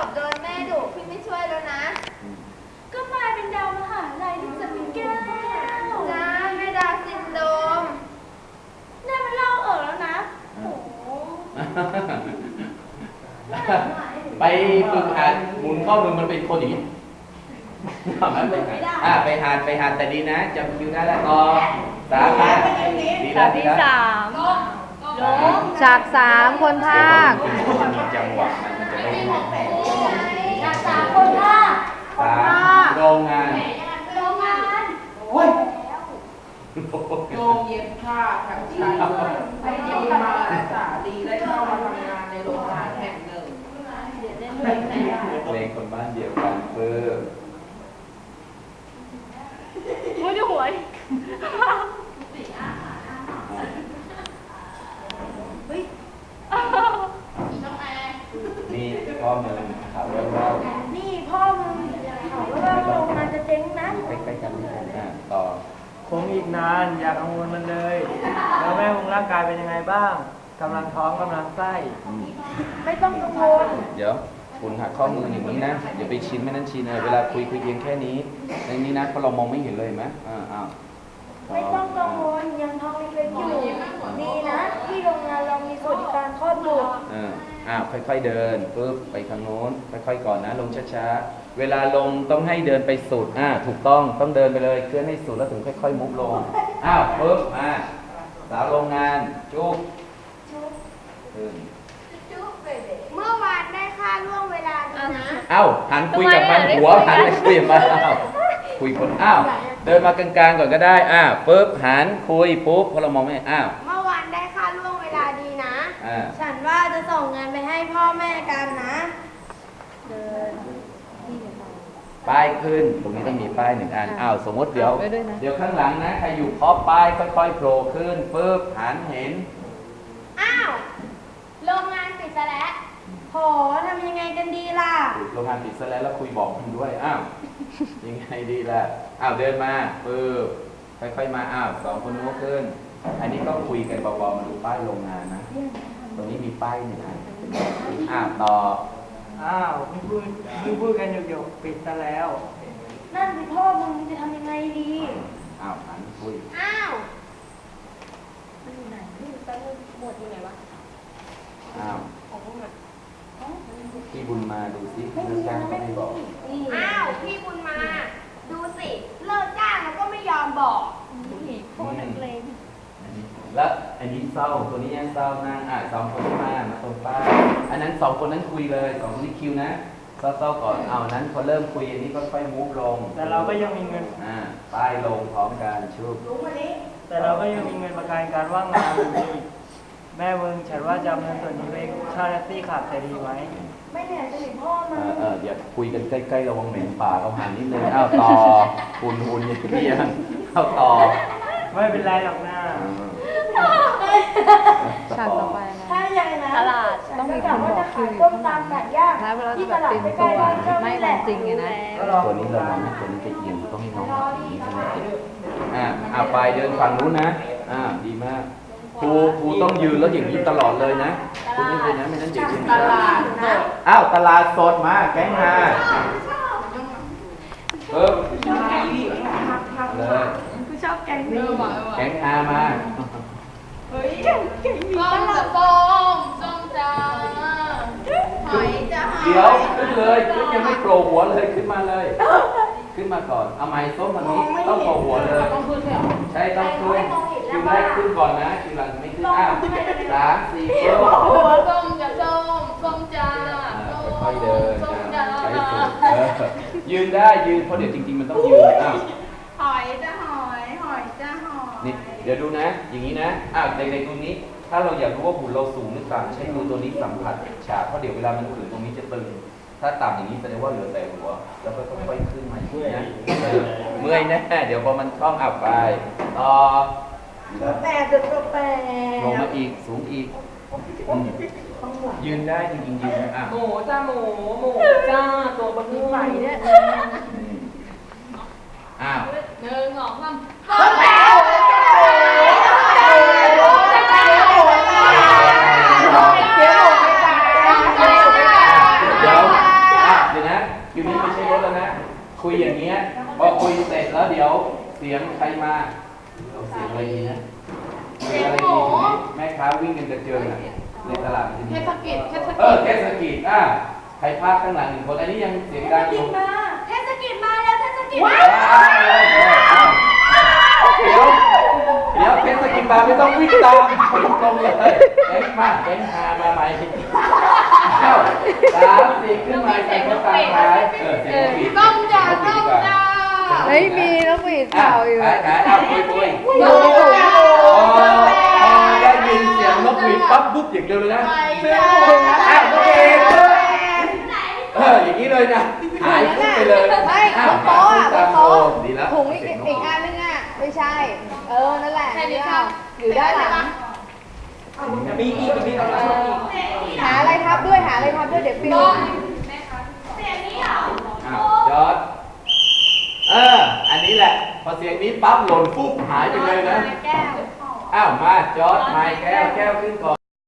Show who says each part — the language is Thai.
Speaker 1: อบโดนแม่ดุพี่ไม่ช่วยแล้วนะ
Speaker 2: ก็มายเป็นดาวมหาลัยที่จะมีแก้ว
Speaker 1: จ้าแม่ดาซินโดรม
Speaker 2: นี่มันเล่าแล้วนะโอ้โห
Speaker 3: ไปฝึกหัดหมุนข้อมือมันเป็นคนอย่างนี้ไปหัดแต่ดีนะจำคิวได้แล้วต่อสามดีแล้วดีแล้ว
Speaker 4: ฉาก3คนภาค
Speaker 3: มันมีจังหวะมันจะไม่หมด
Speaker 2: ฉาก3คนภาค
Speaker 3: โรงงาน
Speaker 5: โอ้ยโรงเย็บผ้าแถวชัยดีมาศึกษาดีได้เข้ามาทำงานในโรงงานแห่งหนึ่ง
Speaker 3: เพลงคนบ้านเดียวกันเพิ่ม
Speaker 2: ไม่ได้หวย
Speaker 3: นี่พ่อมึงถามว่า
Speaker 2: นี่พ่อมึงถามว่าโรงงานจะเจ๊งนะ
Speaker 3: ใกล้ๆกันต่อ
Speaker 6: คงอีกนานอย่ากังวลมันเลยแล้วแม่คงร่างกายเป็นยังไงบ้างกำลังท้องกำลังไส้
Speaker 2: ไม่ต้องกังวล
Speaker 3: เดี๋ยวคุณหักข้อมืออย่างนี้นะอย่าไปชินไม่นั่นชินเวลาคุยเพียงแค่นี้ในนี้นะเพราะเรามองไม่เห็นเลยไหม
Speaker 2: ไม่ต้องกังวลยังท้องเล็กๆอยู่ดีนะที่โรงงานเรามีสวัสดิการคลอดบุตร
Speaker 3: ค่อยๆเดินปุ๊บไปข้างโน้นค่อยๆก่อนนะลงช้าๆเวลาลงต้องให้เดินไปสุดถูกต้องเดินไปเลยเคลื่อนให้สุดแล้วถึงค่อยๆมุฟลงปุ๊บมาสาวโรงงานจุ๊บขึ้น
Speaker 1: เมื่อวานได้ค่าล่วงเวลาดีนะ
Speaker 3: หันคุยกับมันหัวหันไปคุยกับมันคุยคนเดินมากลางๆก่อนก็ได้ปุ๊บหันคุยปุ๊บพอเรามองไม่
Speaker 1: เมื่อวานได้ค่าล่วงเวลาดีนะ
Speaker 2: ฉันว่าจะส่งเงินไปให้พ่อแม่กันนะเดิน
Speaker 3: ป้ายขึ้นตรงนี้ต้องมีป้าย1 อันสมมติเดี๋ยวข้างหลังนะใครอยู่พอป้ายค่อยๆโผล่ขึ้นปุ๊บหันเห็น
Speaker 1: โรงงานปิดซะแล้ว
Speaker 2: โหทำยังไงกันดีล่ะ
Speaker 3: โรงงานปิดซะแล้วคุยบอกมันด้วยยังไงดีล่ะเดินมาปึ๊บค่อยๆมา2 คนนู้นขึ้นอันนี้ก็คุยกันเบาๆมาดูป้ายโรงงานนะตรงนี้มีป้าย1 อันต่อ
Speaker 6: พูดกันอยู่ๆปิดซะแล้ว
Speaker 2: นั่นสิพ่อมึงจะทำยังไงดี
Speaker 3: หันคุย
Speaker 2: มันอยู่ไหนพี่ตั้งหมดอยู่ไหนวะ
Speaker 3: พี่บุญมาดูสิเรื่องจ้างก็ไม่บอก
Speaker 1: พี่บุญมาดูสิเลิกจ้างแล้วก็ไม่ยอมบอก
Speaker 2: โคตรนักเลง
Speaker 3: แล้วอันนี้เศร้าตัวนี้ยังเศร้านั่ง2 คนที่มาตรงป้าอันนั้น2 คนนั้นคุยเลย2 คนนี้คิวนะเศร้าก่อนนั้นพอเริ่มคุยอันนี้ก็ค่อยมูฟลง
Speaker 6: แต่เราก็ยังมีเงิน
Speaker 3: ป้ายลงพร้อมกันชุบ
Speaker 6: แต่เราก็ยังมีเงินประกันการว่างงานอยู่แม่มึงฉันว่าจะเงินส่วนนี้ไปเช่าแท็กซี่ขับจะดีไหม
Speaker 2: ไม่เหนื่อยจะหนีพ่อมา
Speaker 3: เดี๋ยวคุยกันใกล้ๆระวังเหม็นปากเอาห่างนิดนึงต่อหุ่นอย่างที่ยังต่อ
Speaker 6: ไม่เป็นไรหรอกนะ
Speaker 4: ฉากต่อไปนะ
Speaker 2: ถ้าอย่างนั้น
Speaker 4: ตลาดต้องมีคนบอกคิวอยู่ข้างหลังแล้วเราจะแบบเตรียมตัวไม่รันจริงไงนะ
Speaker 3: ตัวนี้เราไม่ตัวนี้จะเอียงต้องให้น้องแบบนี้ใช่ไหมไปเดินฝั่งนู้นนะดีมากครูต้องยืนแล้วอย่างนี้ตลอดเลยนะคุณนี่เลยนะไม่นั้นเด็กจะมีตลาดตลาดสดมาแก๊งมาเลย
Speaker 2: ชอบแกง
Speaker 3: มา
Speaker 1: ส้มจ้าหอยจ้า
Speaker 3: เดี๋ยวขึ้นเลยขึ้นยังไม่โผล่หัวเลยขึ้นมาเลยขึ้นมาก่อนเอาไม้ส้มแบบนี้ต้องโผล่หัวเลยใช่ต้องขึ้นคิวแรกขึ้นก่อนนะคิวหลังไม่ขึ้น3 4
Speaker 1: ส้มจ้า
Speaker 3: ค่อยเดินใช้สุดยืนได้ยืนเพราะเดี๋ยวจริงๆมันต้องยืน
Speaker 1: หอยจ้าหอยจ้าหอย
Speaker 3: นี่เดี๋ยวดูนะอย่างนี้นะเด็กๆตรงนี้ถ้าเราอยากรู้ว่าหุ่นเราสูงหรือต่ำใช้มือตัวนี้สัมผัสฉากเพราะเดี๋ยวเวลามันขืนตรงนี้จะตึงถ้าต่ำอย่างนี้แสดงว่าเหลือแต่หัวแล้วก็ค่อยๆขึ้นมาอย่างนี้นะเมื่อยแน่เดี๋ยวพอมันคล่องไปต่อลงมาอีกสูงอีกยืนได้จริงๆยืนนะ
Speaker 5: หมูจ้าหมูจ้าตัวบะหมี่ใหม่เนี่ย
Speaker 1: 1 2 3
Speaker 3: เดี๋ยวคุยอย่างเงี้ยพอคุยเสร็จแล้วเดี๋ยวเสียงใครมาเอาเสียงอะไรดีนะเสียงอะไรดีทีนี้แม่ค้าวิ่งกันกระเจิงอะในตลาดทีนี้
Speaker 5: เทศกิจ
Speaker 3: เทศกิจใครพากข้างหลังหนึ่งคนอันนี้ยังเสียงดังอยู่
Speaker 1: เทศกิจมาแล้วเทศกิจ
Speaker 3: เดี๋ยวเทศกิจมาไม่ต้องวิ่งตามตรงเลยเอ็งมาเอ็งหามาใหม่เอ้า3 4ขึ้นมาใส่คนตามท้ายเสียงปิด
Speaker 5: ต้องด่าต้องด่า
Speaker 4: เฮ้ยมีน้องหวีดเปล่าอยู่
Speaker 3: คุยพอได้ยินเสียงนกหวีดปั๊บปุ๊บอย่างเดียวเลยนะนกหวีดอย่างนี้เลยนะหายปุ๊บไปเลย
Speaker 4: ไม่บนโต๊ะอ่ะบนโต๊ะ
Speaker 3: ดีแล้ว
Speaker 4: ถุงอีกอันนึงอ่ะไม่ใช่ นั่นแหละอยู่ด้านหลัง
Speaker 6: มีอีกมีเราชอบอีก
Speaker 4: หาอะไรทับด้วยเดี๋ยวปิว
Speaker 1: เสียงนี้เหรอ
Speaker 3: จอดอันนี้แหละพอเสียงนี้ปั๊บหล่นปุ๊บหายไปเลยนะ
Speaker 1: แก้ว
Speaker 3: มาจอดไม้แก้วขึ้นก่อน